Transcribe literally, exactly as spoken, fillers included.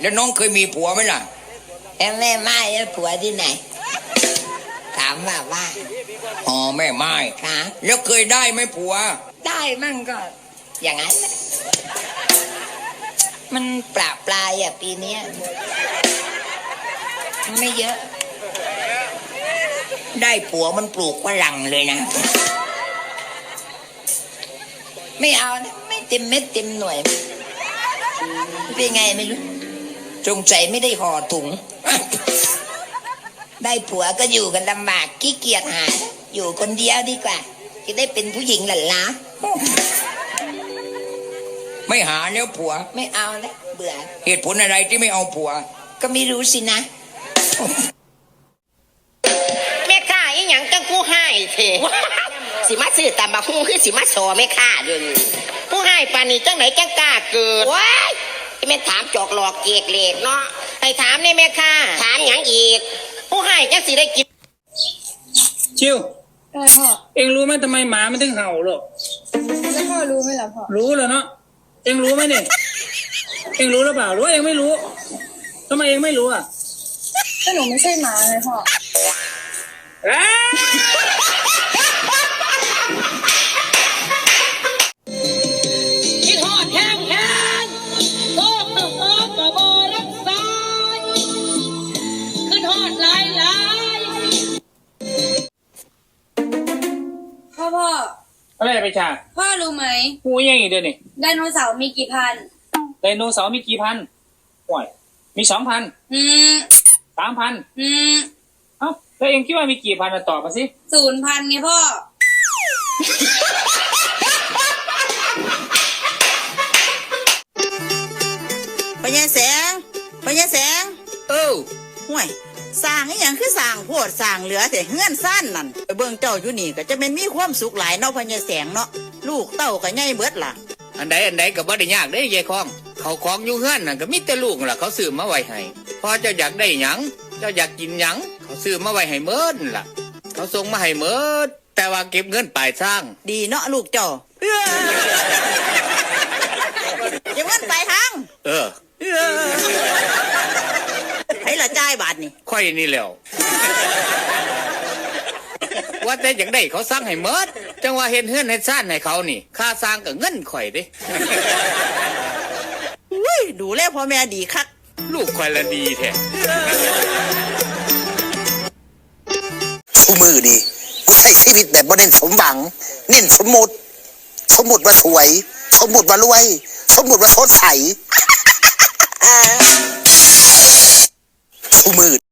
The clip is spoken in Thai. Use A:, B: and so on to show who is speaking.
A: แล้วน้องเคยมีผัวไหมล่ะ
B: แม่แม่ไม้แล้วผัวที่ไหนถามว่าว่า
A: อ๋อแม่ไม้
B: ค่ะ
A: แล้วเคยได้ไหมผัว
B: ได้มั่งก็อย่างนั้นมันปลาปลายอ่ะปีนี้ไม่เยอะ
A: ได้ผัวมันปลูกฝรั่งเลยนะ
B: ไม่เอานะไม่เต็มเม็ดเต็มหน่วยเป็นไงไม่รู้จงใจไม่ได้ห่อถุงได้ผัวก็อยู่กันลำบากขี้เกียจหาอยู่คนเดียวดีกว่าจะได้เป็นผู้หญิงหลั่นล้า
A: ไม่หาแล้วผัว
B: ไม่เอาแล้วเบื่อ
A: เหตุผลอะไรที่ไม่เอาผัว
B: ก็ไม่รู้สินะ
C: แม่ข้าอีหยังจังผู้ให้เถอะสิมาซื้อตามบักฮู้คือสิมาสอแม่ข้าเด้อผู้ให้ปานนี้จังไหนจังกล้าเกิดว้ายแม่ถามจอกหลอกเกกเหล็กเนาะให้ถามนี่แม่ข้าถามหยังอีกผู้ให้จังสิได้กิน
D: ชิว
E: อะไรพ่อ
D: เอ็งรู้ไหมทำไมหมามันถึงเห่าหรอ
E: แล้วพ่อรู้ไหมล่ะพ่อ
D: รู้แล้วเนาะเอ็งรู้ไหมเนี่ยเอ็งรู้หรือเปล่าหรือว่าเอ็งไม่รู้ทำไมเอ็งไม่รู้อ่ะ
E: ก็หนูไม่ใช่หมาเลยพ่อ
C: คิดฮอดแห้งแห้งโทษตกอกกะบ่รักษาขึ้นฮอดหลายหลาย
E: พ่อพ่อ
D: อะไรไปฉาก
E: พ่อรู้ไหม
D: งูยังอีกเดือนนี่
E: ไดโนเสาร์มีกี่พัน
D: ไดโนเสาร์มีกี่พันห่วยมีสองพัน
E: อืม
D: สามพัน
E: อืม
D: เอ้าแล้วเองคิดว่ามีกี่พันตอบมาสิ
E: ศูนย์พันไงพ่อ
F: พญาแสงพญาแสง
A: เออ
F: ห่วยสร้างอีหยังคือสร้างโพดสร้างเหลือแต่เฮือนซ่านนั่นไปเบิ่งเจ้าอยู่นี่ก็จะเป็นมีความสุขหลายเนาะพญาแสงเนาะลูกเต้าก็ใหญ่เบิดล่ะ
A: อันใดอันใดก็บ่ได้ยากเด้ยายคองเขาของอยู่เฮือนน่ะก็มีแต่ลูกล่ะเขาซื้อมาไว้ให้พอเจ้าอยากได้หยังเจ้าอยากกินหยังเขาซื้อมาไว้ให้เมิดล่ะเขาส่งมาให้เมิดแต่ว่าเก็บเงินปลายทาง
F: ดีเนาะลูกเจ้าเก็บเงินปลายทาง
A: เออ
F: ให้ละจ่ายบาทนี่
A: ค่อยนี่แล้วว่าแต่อย่างได้เขาสร้างให้เมิดจังว่าเห็นเฮือนให้ซ่านให้เขานี่ค่าสร้างกับเงินข่อยเด้
F: อุ้ยดูแลพ่อแม่ดีคัก
A: ลูกข่อยละดีแท้
G: ชูมือดีกูใช้ชีวิตแบบบ่เน้นสมหวังเน้นสมมุติสมมุติว่าสวยสมมุติว่ารวยสมมุติว่าสดใสชูมือ